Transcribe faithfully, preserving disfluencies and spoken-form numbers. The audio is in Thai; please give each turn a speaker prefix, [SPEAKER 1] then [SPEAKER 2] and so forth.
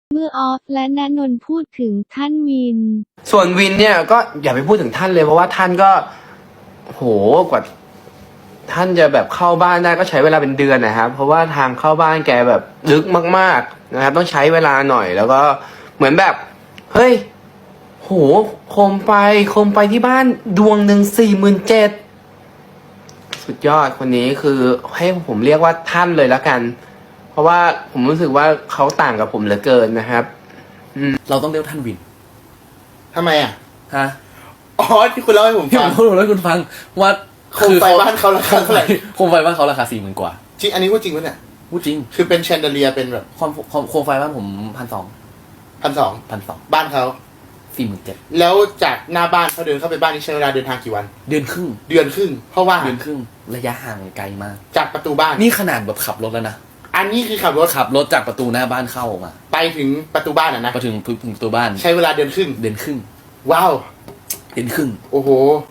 [SPEAKER 1] เมื่อออฟและณนนท์พูดถึงท่านวิน
[SPEAKER 2] ส่วนวินเนี่ยก็อย่าไปพูดถึงท่านเลยเพราะว่าท่านก็โหกว่าท่านจะแบบเข้าบ้านได้ก็ใช้เวลาเป็นเดือนนะครับเพราะว่าทางเข้าบ้านแกแบบลึกมากๆนะครับต้องใช้เวลาหน่อยแล้วก็เหมือนแบบเฮ้ยโหโคมไฟโคมไฟที่บ้านดวงหนึ่งสี่หมื่นเจ็ดสุดยอดคนนี้คือให้ผมเรียกว่าท่านเลยละกัน เพราะว่าผมรู้สึกว่าเขาต่างกับผมเหลือเกินนะครับ
[SPEAKER 3] เราต้องเรียกท่านวิน
[SPEAKER 4] ทำไมอ่ะ
[SPEAKER 3] ฮะ
[SPEAKER 4] อ๋อที่คุณเล่าให้ผม
[SPEAKER 3] ที่ผ
[SPEAKER 4] ฟัง
[SPEAKER 3] มพูดให้คุณฟังว่า
[SPEAKER 4] โคมไฟบ้านเขาราคาเท่าไหร่
[SPEAKER 3] โคมไฟบ้านเขาราคาสี่หมื่นกว่า
[SPEAKER 4] จริงอันนี้พูดจริงปะเนี่ย
[SPEAKER 3] พูดจริง
[SPEAKER 4] คือเป็นแชนเดเลียเป็นแบบ
[SPEAKER 3] ความความโคมไฟบ้านผมพันสอง
[SPEAKER 4] พันสอง
[SPEAKER 3] พันสอง
[SPEAKER 4] บ้านเขา
[SPEAKER 3] สี่หมื่นเจ็ด
[SPEAKER 4] แล้วจากหน้าบ้านเขาเดินเข้าไปบ้านนี่ใช้เวลาเดินทางกี่วัน
[SPEAKER 3] เดือนครึ่ง
[SPEAKER 4] เดือนครึ่ง เพราะว่า
[SPEAKER 3] เดือนครึ่งระยะห่างไกลมาก
[SPEAKER 4] จากประตูบ้าน
[SPEAKER 3] นี่ขนาดแบบขับรถแล้วนะ
[SPEAKER 4] อันนี้คือขับรถ
[SPEAKER 3] ขับรถจากประตูหน้าบ้านเข้าออกมา
[SPEAKER 4] ไปถึงประตูบ้านอ่ะนะ
[SPEAKER 3] ไปถึงถึงประตูบ้าน
[SPEAKER 4] ใช้เวลาเดือนครึ่ง
[SPEAKER 3] เดือนครึ่ง
[SPEAKER 4] ว้าว
[SPEAKER 3] เดือนครึ่ง
[SPEAKER 4] โอ้โห